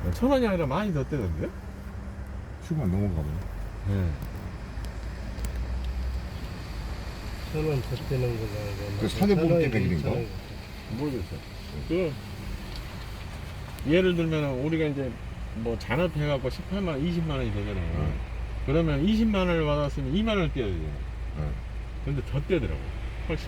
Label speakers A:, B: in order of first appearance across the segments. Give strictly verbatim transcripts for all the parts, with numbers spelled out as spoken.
A: 천 원이 아니라 많이 더 떼던데?
B: 십오만 넘어가 보네.
A: 네.
C: 천원 더 떼는 거가
B: 그 사대보험 때문에 그런가?
A: 모르겠어. 그 예를 들면 우리가 이제 뭐 잔업해갖고 십팔만 원, 이십만 원이 되잖아요.
B: 응.
A: 그러면 이십만 원을 받았으면 이만 원을 떼야 되잖아요.
B: 응.
A: 근데 더 떼더라고. 훨씬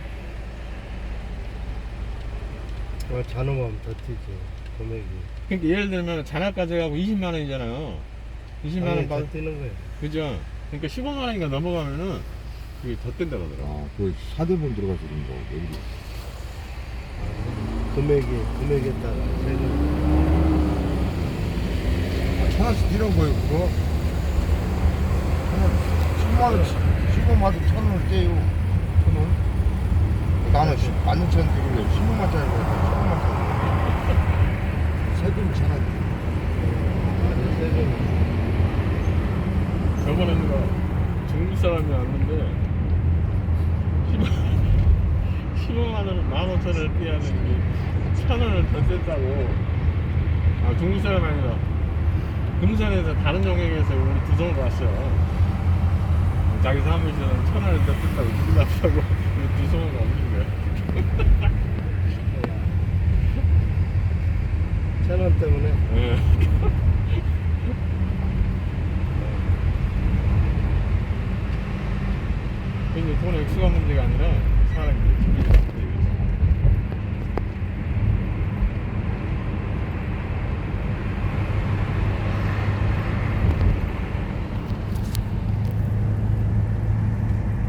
A: 더.
C: 어, 잔업하면 더 뛰지 금액이.
A: 그러니까 예를 들면 잔업까지 해갖고 이십만 원이잖아요. 이십만 원
C: 더
A: 받,
C: 뛰는 거야.
A: 그죠? 그러니까 십오만 원인가 넘어가면은 그게 더 뗀다 그러더라고.
B: 아, 그 사대보험 들어가서 그런 거. 여기.
C: 금액이 금액에 따라 세금.
B: 아, 천 원씩 뛰는 거예요, 그거? 천 원, 십만 원씩, 십오만 원 천 원을 떼요. 천 원? 나는 십, 만 육천 원 들길래 십오만짜리 거, 십오만짜리. 세금이 천 원.
C: 맞아 세금.
A: 저번에 누가 중국 사람이 왔는데 십오만 원을 만 오천 원을 떼야 되는데 천 원을 더 뗐다고. 아, 중국 사람 아니라 금산에서 다른 용역에서 우리 두성으로 왔어요. 자기 사무실에서 천 원을 더 뗐다고 놀랍다고 두성으로 옮긴 거야.
C: 천 원 때문에.
A: 예. 이게 돈의 액수가 문제가 아니라 사람이